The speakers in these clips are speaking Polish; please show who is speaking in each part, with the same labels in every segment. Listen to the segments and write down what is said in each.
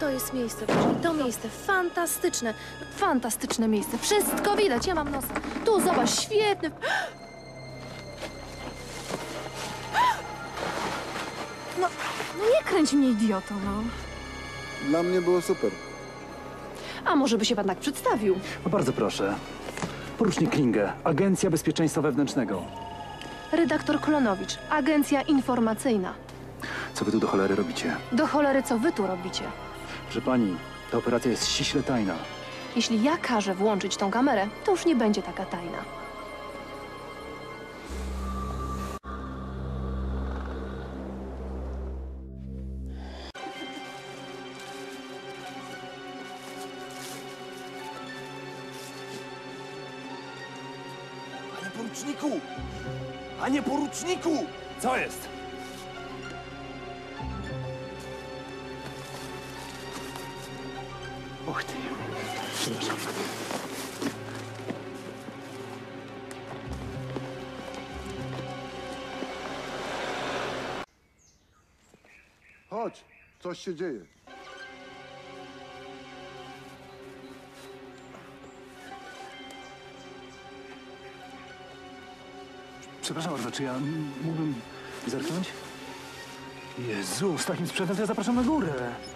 Speaker 1: To jest miejsce, proszę. To miejsce fantastyczne. Fantastyczne miejsce. Wszystko widać. Ja mam nos. Tu, zobacz, świetny. No nie kręć mnie, idioto, no.
Speaker 2: Dla mnie było super.
Speaker 1: A może by się pan tak przedstawił?
Speaker 3: No bardzo proszę. Porucznik Klinge, Agencja Bezpieczeństwa Wewnętrznego.
Speaker 1: Redaktor Klonowicz, agencja informacyjna.
Speaker 3: Co wy tu do cholery robicie?
Speaker 1: Do cholery, co wy tu robicie?
Speaker 3: Proszę pani, ta operacja jest ściśle tajna.
Speaker 1: Jeśli ja każę włączyć tą kamerę, to już nie będzie taka tajna.
Speaker 4: Panie poruczniku! Panie poruczniku!
Speaker 3: Co jest? Och ty. Przepraszam.
Speaker 2: Chodź, coś się dzieje.
Speaker 3: Przepraszam bardzo, czy ja mógłbym zerknąć? Jezu, z takim sprzętem to ja zapraszam na górę.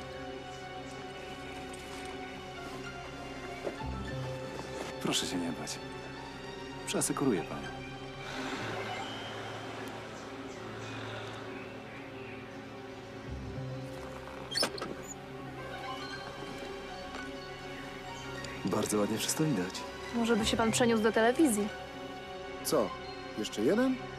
Speaker 3: Proszę się nie bać. Przeasekuruję panią.
Speaker 4: Bardzo ładnie wszystko widać.
Speaker 1: Może by się pan przeniósł do telewizji?
Speaker 2: Co? Jeszcze jeden?